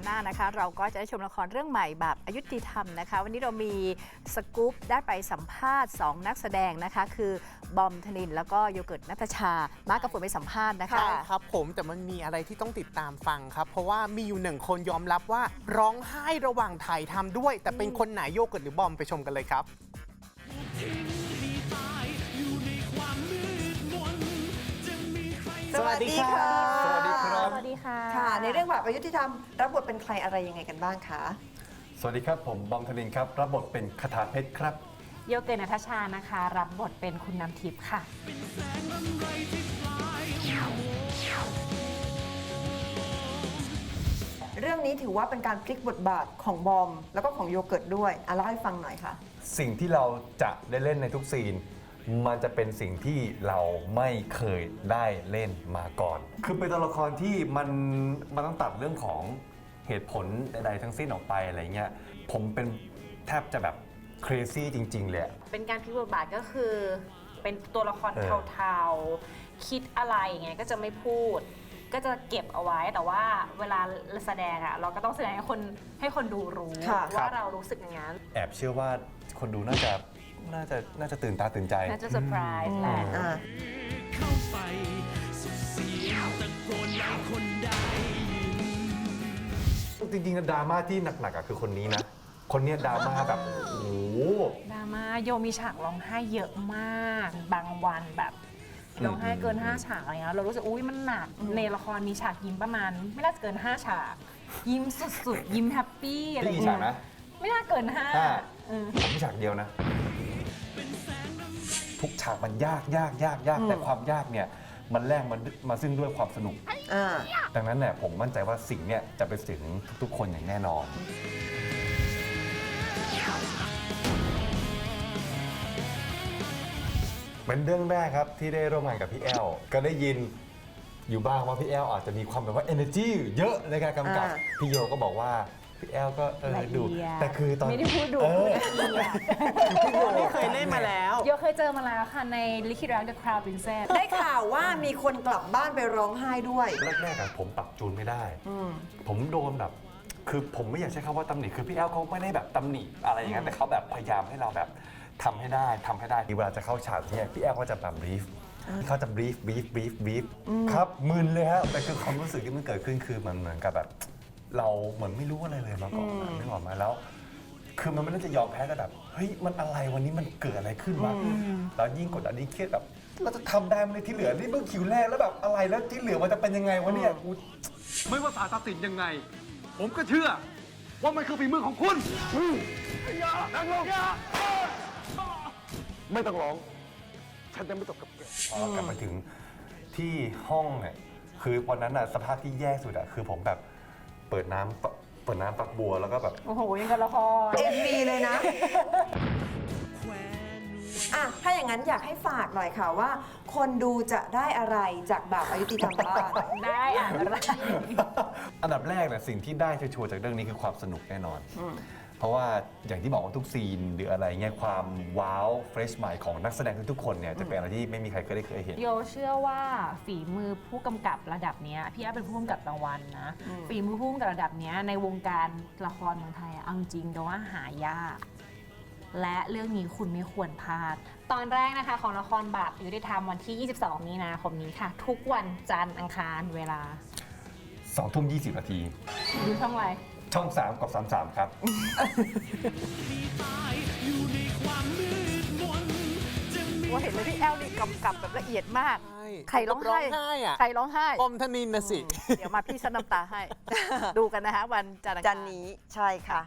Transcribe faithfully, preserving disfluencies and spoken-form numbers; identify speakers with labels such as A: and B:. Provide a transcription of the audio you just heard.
A: หน้านะคะเราก็จะได้ชมละครเรื่องใหม่แบบอยุติธรรมนะคะวันนี้เรามีสกู๊ปได้ไปสัมภาษณ์สองนักแสดงนะคะคือบอมธนินทร์แล้วก็โยเกิร์ตณัฐชามากับฝนไปสัมภาษณ์นะคะ
B: ใช่ครับผมแต่มันมีอะไรที่ต้องติดตามฟังครับ เพราะว่ามีอยู่หนึ่งคนยอมรับว่าร้องไห้ระหว่างถ่ายทำด้วย แต่เป็นคนไหนโยเกิร์ตหรือบอมไปชมกันเลยครับ
C: สวัสดีค่ะ
B: สวัสดีครับ
D: สวัสดีค่ะ
C: ค่ะ ในเรื่องแบบอายุติธรรมรับบทเป็นใครอะไรยังไงกันบ้างคะ
E: สวัสดีครับผมบอมธนินทร์ครับรับบทเป็นคทาเพชรครับ
D: โยเกิร์ตณัฐชานะคะ รับบทเป็นคุณน้ำทิพย์ค่ะ
C: เรื่องนี้ถือว่าเป็นการพลิกบทบาทของบอมแล้วก็ของโยเกิร์ตด้วยอ่ะเล่าให้ฟังหน่อยค่ะ
E: สิ่งที่เราจะได้เล่นในทุกซีน มันจะเป็นสิ่งที่เราไม่เคยได้เล่นมาก่อน คือเป็นตัวละครที่มันมันต้องตัดเรื่องของเหตุผลใดๆทั้งสิ้นออกไปอะไรเงี้ยผมเป็นแทบจะแบบ crazy จริงๆเลย
D: เป็นการพลิกบทบาทก็คือ เป็นตัวละคร
E: เออ
D: เทาๆ คิดอะไรอย่างเงี้ยก็จะไม่พูด ก็จะเก็บเอาไว้ แต่ว่าเวลาแสดงอะเราก็ต้องแสดงให้คนให้คนดูรู้
C: ค่ะ
D: ว่าเรารู้สึกอย่างนั้น
E: แอบเชื่อว่าคนดูน่าจะน่าจะน่าจะตื่นตาตื่นใจ
D: น่าจะเซอร์ไพรส์แหละ
C: อ่า
F: เข้าไปสุดเสียงตะโกนให้คนได้ยิน
E: จริงๆดราม่าที่หนักๆอะคือคนนี้นะ คนเนี้ยดราม่าแบบโอ้โห
D: ดราม่าโยมีฉากร้องไห้เยอะมาก บางวันแบบร้องไห้เกินห้าฉากอะไรเงี้ยเรารู้สึกอุ้ยมันหนักในละครมีฉากยิ้มประมาณ ไม่น่าจะเกินห้าฉาก ยิ้มสุดๆ ยิ้มแฮปปี้อะไร
E: พี่กี่
D: เงี้
E: ฉาก
D: ย
E: นะ
D: ไม่น่าเกินห้า
E: ห้า
D: เออ
E: ผมมีฉากเดียวนะ ทุกฉากมันยากยากยากยาก
C: อืม
E: แต่ความยากเนี่ยมันแลกมันมาซึ่งด้วยความสนุก
C: อ่า
E: ดังนั้นเนี่ยผมมั่นใจว่าสิ่งเนี่ยจะไปถึงทุกๆ คนอย่างแน่นอน เป็นเรื่องแรกครับที่ได้ร่วมงานกับพี่แอล ก็ได้ยินอยู่บ้างว่าพี่แอลอาจจะมีความแบบว่า energy เยอะในการกำกับ
C: อ่า
E: พี่โยก็บอกว่าพี่แอลก็เออ
D: ละเอียด
E: ดูแต่คือตอน
D: ไม่ได้พูดดุ
E: เออ
D: พูดละเอียด
B: พี่โยนี่เคยเล่นมาแล้ว
D: โยเคยเจอมาแล้วค่ะในลิขิตรัก The Crown Princess
C: ได้ข่าวว่ามีคนกลับบ้านไปร้องไห้ด้วย
E: แรกๆอะผมปรับจูนไม่ได้
C: อืม
E: ผมโดนแบบ คือผมไม่อยากใช้คำว่าตำหนิ คือพี่แอลเขาไม่ได้แบบตำหนิอะไรอย่างเงี้ยแต่เขาแบบพยายามให้เราแบบทำให้ได้ทำให้ได้เวลาจะเข้าฉากเนี่ยพี่แอลก็จะแบบบรีฟเขาจะบรีฟบรีฟบรีฟบรีฟครับมึนเลยฮะแต่คือความรู้สึกที่มันเกิดขึ้นคือมันเหมือนกับแบบ เราเหมือนไม่รู้อะไรเลยมาก่อนอะนึกออกไหมาแล้ว คือมันไม่ได้จะยอมแพ้แต่แบบเฮ้ยมันอะไรวันนี้มันเกิดอะไรขึ้นวะแล้วยิ่งกดดันยิ่งเครียดแบบเราจะทำได้ไหมที่เหลือนี่เพิ่งคิวแรกแล้วแบบอะไรแล้วที่เหลือมันจะเป็นยังไงวะเนี่ยกู
G: ไม่ว่าศาลตัดสินยังไง ผมก็เชื่อ ว่ามันคือฝีมือของคุณอย่านั่งลงอย่าไม่ต้องร้อง ฉันจะไม่ตกกับแก
E: พอกลับมาถึงที่ห้องเนี่ยคือวันนั้นอะสภาพที่แย่สุดอะคือผมแบบเปิดน้ำปะเปิดน้ำปักบัวแล้วก็แบบ
D: โอ้โหยังกับละคร
C: เอ็มวีเลยนะ อ่ะ ถ้าอย่างนั้นอยากให้ฝากหน่อยค่ะว่า คนดูจะได้อะไรจากแบบอายุติธรรมบ้าง
D: ได้อ่านอะไร
E: อันดับแรกเนี่ยสิ่งที่ได้ชัวร์ๆจากเรื่องนี้คือความสนุกแน่นอน เพราะว่าอย่างที่บอกว่าทุกซีนหรืออะไรเงี้ยความว้าวเฟรชใหม่ของนักแสดงทุกๆคนเนี่ยจะเป็นอะไรที่ไม่มีใครเคยได้เคยเห็น
D: โยเชื่อว่าฝีมือผู้กำกับระดับเนี้ยพี่แอฟเป็นผู้กำกับรางวัลนะ ฝีมือผู้กำกับระดับเนี้ยในวงการละครเมืองไทยอะเอาจริงๆโดยว่าหายาก และเรื่องนี้คุณไม่ควรพลาด ตอนแรกนะคะของละครบาปยุติธรรมวันที่ ยี่สิบสอง มีนาคมนี้ค่ะ ทุกวันจันทร์อังคารเวลา
E: สองทุ่มยี่สิบนาที
D: ดูช่องอะไร
E: ช่องสามกับสามสามครับ
A: ว่าเห็นเลยพี่แอลนี่กำกับแบบละเอียดมาก
B: ใช่
A: ใครร้องไห้
B: ร้องไห้อะ
A: ใครร้องไห้
B: บอมธนินทร์นะสิ
A: เดี๋ยวมาพี่ซันน้ำตาให้ ดูกันนะคะวันจันทร์อังคาร
C: จันนี้ใช่ค่ะ